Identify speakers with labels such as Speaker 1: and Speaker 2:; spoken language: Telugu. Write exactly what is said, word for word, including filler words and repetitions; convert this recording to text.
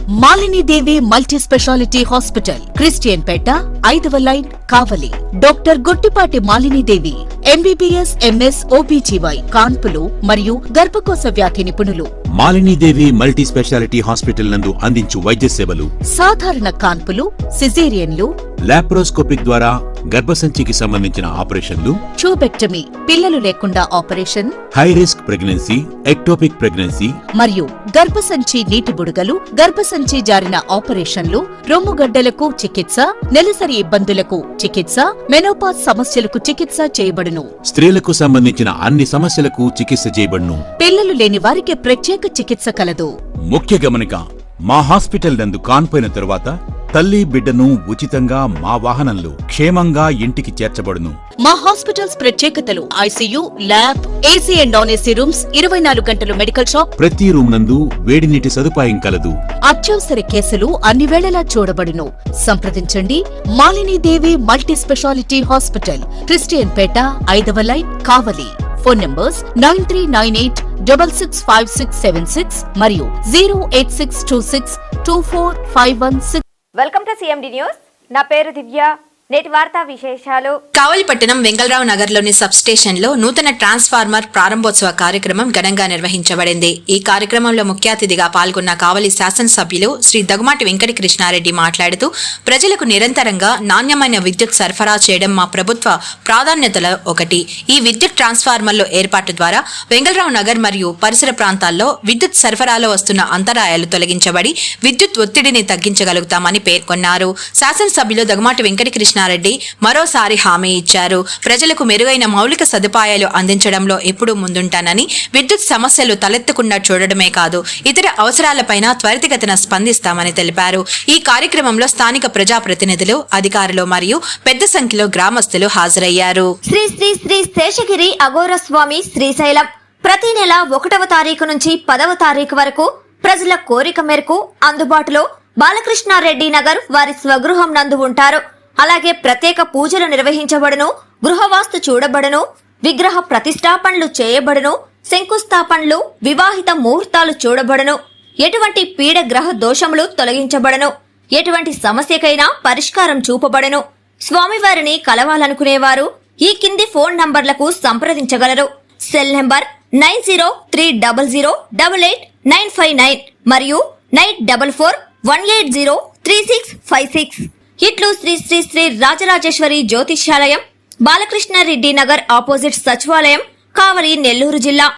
Speaker 1: Malini Devi multi speciality hospital, Christianpet, ఐదవ line, Kavali. Doctor Guttipati Malini Devi MBBS, MS, OBGY, కాన్పులు మరియు గర్భకోశ వ్యాధి నిపుణులు.
Speaker 2: Malini Devi multi speciality hospital నందు అందించు వైద్య సేవలు:
Speaker 1: సాధారణ కాన్పులు, సిజేరియన్లు,
Speaker 2: లాప్రోస్కోపిక్ ద్వారా గర్భసంచికి సంబంధించిన ఆపరేషన్లు,
Speaker 1: ట్యూబెక్టమీ, పిల్లలు లేకుండా operation,
Speaker 2: high risk pregnancy, ectopic pregnancy
Speaker 1: మరియు గర్భసంచి నీటి బుడగలు, గర్భసంచి జారిన ఆపరేషన్లు, రొమ్ముగడ్డలకు చికిత్స, నెలసరి ఇబ్బందులకు చికిత్స, మెనోపాజ్ సమస్యలకు చికిత్స చేయబడును.
Speaker 2: స్త్రీలకు సంబంధించిన అన్ని సమస్యలకు చికిత్స చేయబడును.
Speaker 1: పిల్లలు లేని వారికి ప్రత్యేక చికిత్స కలదు.
Speaker 2: ముఖ్య గమనిక: మా హాస్పిటల్ నందు కాన్పోయిన తరువాత తల్లి బిడ్డను ఉచితంగా మా వాహనంలో క్షేమంగా ఇంటికి చేర్చబడును.
Speaker 1: మా హాస్పిటల్స్ ప్రత్యేకతలు: ICU, lab, AC and non AC rooms, ఇరవై నాలుగు గంటలు మెడికల్ షాప్,
Speaker 2: ప్రతి రూమ్ నందు వేడి నీటి సదుపాయం కలదు.
Speaker 1: అత్యవసర కేసులు అన్ని వేళలా చూడబడును. సంప్రదించండి Malini Devi multi speciality hospital, Christianpet, ఐదవ line, Kavali. Phone numbers nine three nine eight double six five six seven six మరియు zero eight six two six two four five one six.
Speaker 3: Welcome to CMD news. నా పేరు దివ్య. నేటి వార్తా విశేషాలు:
Speaker 4: కావలి పట్టణం వెంగళరావు నగర్లోని సబ్ స్టేషన్లో నూతన ట్రాన్స్ఫార్మర్ ప్రారంభోత్సవ కార్యక్రమం ఘనంగా నిర్వహించబడింది. ఈ కార్యక్రమంలో ముఖ్య అతిథిగా పాల్గొన్న కావలి శాసనసభ్యులు శ్రీ దగ్గుమాటి వెంకట కృష్ణారెడ్డి మాట్లాడుతూ, ప్రజలకు నిరంతరంగా నాణ్యమైన విద్యుత్ సరఫరా చేయడం మా ప్రభుత్వ ప్రాధాన్యతల ఒకటి. ఈ విద్యుత్ ట్రాన్స్ఫార్మర్ల ఏర్పాటు ద్వారా వెంగళరావు నగర్ మరియు పరిసర ప్రాంతాల్లో విద్యుత్ సరఫరాలో వస్తున్న అంతరాయాలు తొలగించబడి విద్యుత్ ఒత్తిడిని తగ్గించగలుగుతామని పేర్కొన్నారు. శాసనసభ్యులు దగ్గుమాటి వెంకట కృష్ణ రెడ్డి మరోసారి హామీ ఇచ్చారు. ప్రజలకు మెరుగైన మౌలిక సదుపాయాలు అందించడంలో ఎప్పుడూ ముందుంటానని, విద్యుత్ సమస్యలు తలెత్తకుండా చూడడమే కాదు ఇతర అవసరాలపైన త్వరితగతిన స్పందిస్తామని తెలిపారు. ఈ కార్యక్రమంలో స్థానిక ప్రజాప్రతినిధులు, అధికారులు మరియు పెద్ద సంఖ్యలో గ్రామస్తులు హాజరయ్యారు.
Speaker 3: శ్రీ శ్రీ శ్రీ శేషగిరి అఘోర స్వామి శ్రీశైలం ప్రతి నెల ఒకటవ తారీఖు నుంచి పదవ తారీఖు వరకు ప్రజల కోరిక మేరకు అందుబాటులో బాలకృష్ణారెడ్డి నగర్ వారి స్వగృహం నందు ఉంటారు. అలాగే ప్రత్యేక పూజలు నిర్వహించబడును, గృహవాస్తు చూడబడును, విగ్రహ ప్రతిష్టాపనలు చేయబడును, శంకుస్థాపనలు, వివాహిత ముహూర్తాలు చూడబడును, ఎటువంటి పీడ గ్రహ దోషములు తొలగించబడును, ఎటువంటి సమస్యకైనా పరిష్కారం చూపబడును. స్వామివారిని కలవాలనుకునేవారు ఈ కింది ఫోన్ నంబర్లకు సంప్రదించగలరు. Cell number nine zero three double zero double eight nine five nine మరియు nine double four one eight zero three six five six. ఇట్లు శ్రీ శ్రీ శ్రీ రాజరాజేశ్వరి జ్యోతిష్యాలయం, బాలకృష్ణారెడ్డి నగర్ ఆపోజిట్ సచివాలయం, కావలి, నెల్లూరు జిల్లా.